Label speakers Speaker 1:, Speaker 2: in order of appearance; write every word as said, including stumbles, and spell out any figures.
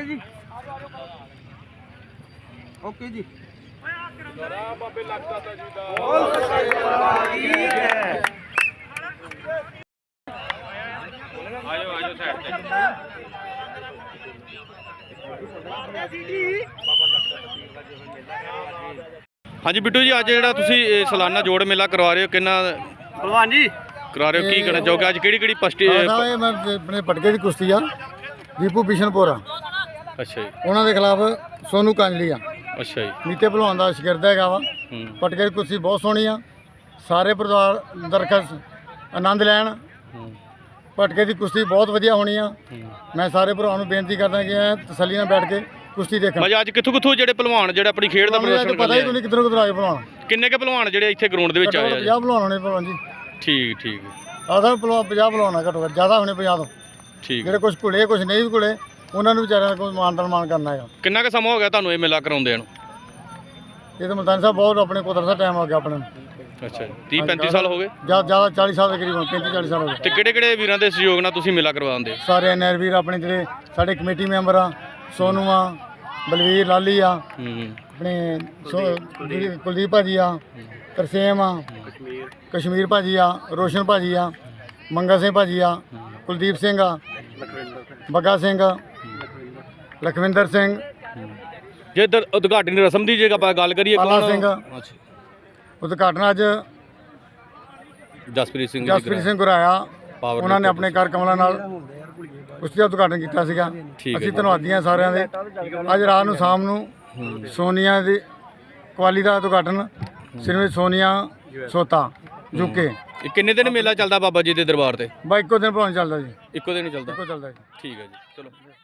Speaker 1: ਜੀ ਓਕੇ ਜੀ
Speaker 2: ਬਾਬੇ ਲੱਗਦਾ ਤਾਂ ਜੀ ਦਾ ਆਜੋ ਆਜੋ ਸਾਈਡ ਤੇ ਹਾਂਜੀ ਬਿੱਟੂ ਜੀ ਅੱਜ ਜਿਹੜਾ ਤੁਸੀਂ ਸਾਲਾਨਾ ਜੋੜ ਮੇਲਾ ਕਰਵਾ ਰਹੇ ਹੋ ਕਿੰਨਾ
Speaker 1: ਭਲਵਾਨ ਜੀ
Speaker 2: ਕਰਾ ਰਹੇ ਹੋ ਕੀ ਕਹਿਣਾ ਚਾਹੋਗੇ ਅੱਜ ਕਿਹੜੀ ਕਿਹੜੀ ਪਸਟੀ
Speaker 3: ਸਾਹਿਬ ਮੈਂ ਆਪਣੇ ਪਟਕੇ ਦੀ ਕੁਸ਼ਤੀ ਆ ਦੀਪੂ ਬਿਸ਼ਨਪੁਰਾ
Speaker 2: ਅੱਛਾ ਜੀ
Speaker 3: ਉਹਨਾਂ ਦੇ ਖਿਲਾਫ ਸੋਨੂ ਕਾਂਜਲੀ ਆ
Speaker 2: ਅੱਛਾ ਜੀ
Speaker 3: ਨੀਤੇ ਭਲਵਾਨ ਦਾ ਸ਼ਗਿਰਦ ਹੈਗਾ ਵਾ
Speaker 2: ਹੂੰ
Speaker 3: ਪਟਕੇ ਦੀ ਕੁਸ਼ਤੀ ਬਹੁਤ ਸੋਹਣੀ ਆ ਸਾਰੇ ਪਰਿਵਾਰ ਦਰਖਤ ਆਨੰਦ ਲੈਣ
Speaker 2: ਹੂੰ
Speaker 3: ਪਟਕੇ ਦੀ ਕੁਸ਼ਤੀ ਬਹੁਤ ਵਧੀਆ ਹੋਣੀ ਆ
Speaker 2: ਹੂੰ
Speaker 3: ਮੈਂ ਸਾਰੇ ਭਰਾਵਾਂ ਨੂੰ ਬੇਨਤੀ ਕਰਦਾ ਕਿ ਇਹ ਤਸੱਲੀ ਨਾਲ ਬੈਠ ਕੇ ਕੁਸ਼ਤੀ ਦੇਖਣ
Speaker 2: ਮਜਾ ਅੱਜ ਕਿੱਥੋਂ ਕਿੱਥੋਂ ਜਿਹੜੇ ਪਹਿਲਵਾਨ ਜਿਹੜੇ ਆਪਣੀ ਖੇਡ ਦਾ ਪ੍ਰਦਰਸ਼ਨ
Speaker 3: ਪਤਾ ਹੀ ਨਹੀਂ ਕਿੱਧਰੋਂ ਕਿੱਧਰ ਆ ਕੇ ਭਲਵਾਨ
Speaker 2: ਕਿੰਨੇ ਕੇ ਪਹਿਲਵਾਨ ਜਿਹੜੇ ਇੱਥੇ ਗਰਾਊਂਡ ਦੇ ਵਿੱਚ ਆਏ ਆ ਜੀ?
Speaker 3: ਪੰਜਾਹ ਭਲਵਾਨ ਹੋਣੇ ਭਲਵਾਨ ਜੀ
Speaker 2: ਠੀਕ ਠੀਕ
Speaker 3: ਆਦਾ ਭਲਵਾਨ ਪੰਜਾਹ ਭਲਵਾਨ ਆ ਘੱਟੋ ਘੱਟ ਜ਼ਿਆਦਾ ਹੋਣੇ ਪੰਜਾਹ ਤੋਂ
Speaker 2: ਠੀਕ
Speaker 3: ਜਿਹੜੇ ਕੁਝ ਘੁਲੇ ਕੁਝ ਨਹੀਂ ਵੀ ਘੁਲੇ ਉਹਨਾਂ ਨੂੰ ਵਿਚਾਰਿਆਂ ਦਾ ਕੋਈ ਮਾਨ ਸਨਮਾਨ ਕਰਨਾ ਹੈਗਾ
Speaker 2: ਕਿੰਨਾ ਕੁ ਸਮਾਂ ਹੋ ਗਿਆ ਤੁਹਾਨੂੰ ਇਹ ਮੇਲਾ ਕਰਾਉਂਦੇ ਨੂੰ
Speaker 3: ਇਹ ਤਾਂ ਮਲਤਾਨੀ ਸਾਹਿਬ ਬਹੁਤ ਆਪਣੇ ਕੁਦਰਤ ਦਾ ਟਾਈਮ ਹੋ ਗਿਆ ਆਪਣੇ ਨੂੰ
Speaker 2: ਅੱਛਾ ਜੀ ਤੀਹ ਪੈਂਤੀ ਸਾਲ ਹੋ ਗਏ
Speaker 3: ਜ਼ਿਆਦਾ ਜ਼ਿਆਦਾ ਚਾਲੀ ਸਾਲ ਦੇ ਕਰੀਬ ਪੈਂਤੀ ਚਾਲੀ ਸਾਲ ਹੋ ਗਏ
Speaker 2: ਤੇ ਕਿਹੜੇ ਕਿਹੜੇ ਵੀਰਾਂ ਦੇ ਸਹਿਯੋਗ ਨਾਲ ਤੁਸੀਂ ਮੇਲਾ ਕਰਵਾਉਂਦੇ
Speaker 3: ਸਾਰੇ ਐਨ ਆਰ ਵੀਰ ਆਪਣੇ ਜਿਹੜੇ ਸਾਡੇ ਕਮੇਟੀ ਮੈਂਬਰ ਆ ਸੋਨੂ ਆ ਬਲਵੀਰ ਲਾਲੀ ਆ
Speaker 2: ਹੂੰ
Speaker 3: ਆਪਣੇ ਸੋ- ਜਿਹੜੀ ਕੁਲਦੀਪ ਭਾਜੀ ਆ ਤਰਸੇਮ ਆ ਕਸ਼ਮੀਰ ਭਾਜੀ ਆ ਰੋਸ਼ਨ ਭਾਜੀ ਆ ਮੰਗਾ ਸਿੰਘ ਭਾਜੀ ਆ ਕੁਲਦੀਪ ਸਿੰਘ ਆ ਬੱਗਾ ਸਿੰਘ ਲਖਵਿੰਦਰ ਸਿੰਘ
Speaker 2: ਜੇ ਇੱਧਰ ਉਦਘਾਟਨੀ ਰਸਮ ਦੀ ਜੇ ਆਪਾਂ ਗੱਲ ਕਰੀਏ
Speaker 3: ਪਾਲਾ
Speaker 2: ਕੌਣ
Speaker 3: ਸਿੰਘ
Speaker 2: ਅੱਛਾ
Speaker 3: ਉਦਘਾਟਨ ਅੱਜ
Speaker 2: ਜਸਪ੍ਰੀਤ ਸਿੰਘ ਜੀ
Speaker 3: ਜਸਪ੍ਰੀਤ ਸਿੰਘ ਗੁਰਾਇਆ
Speaker 2: ਪਾਵਰ
Speaker 3: ਉਹਨਾਂ ਨੇ ਆਪਣੇ ਕਰ ਕਮਲਾਂ ਨਾਲ ਉਸ ਦਾ ਉਦਘਾਟਨ ਕੀਤਾ ਸੀਗਾ
Speaker 2: ਠੀਕ ਹੈ
Speaker 3: ਅਸੀਂ ਧੰਨਵਾਦੀ ਹਾਂ ਸਾਰਿਆਂ ਦੇ ਅੱਜ ਰਾਤ ਨੂੰ ਸ਼ਾਮ ਨੂੰ ਸੋਨੀਆ ਦੀ ਕੁਆਲੀ ਦਾ ਉਦਘਾਟਨ ਸ਼੍ਰੀਮਤੀ ਸੋਨੀਆ ਸੋਤਾ ਯੂਕੇ
Speaker 2: ਇਹ ਕਿੰਨੇ ਦਿਨ ਮੇਲਾ ਚੱਲਦਾ ਬਾਬਾ ਜੀ ਦੇ ਦਰਬਾਰ ਤੇ
Speaker 3: ਬਾ ਇੱਕੋ ਦਿਨ ਭਾਵੇਂ ਚੱਲਦਾ ਜੀ
Speaker 2: ਇੱਕੋ ਦਿਨ ਹੀ ਚੱਲਦਾ
Speaker 3: ਇੱਕੋ ਚੱਲਦਾ ਜੀ
Speaker 2: ਠੀਕ ਹੈ ਜੀ ਚਲੋ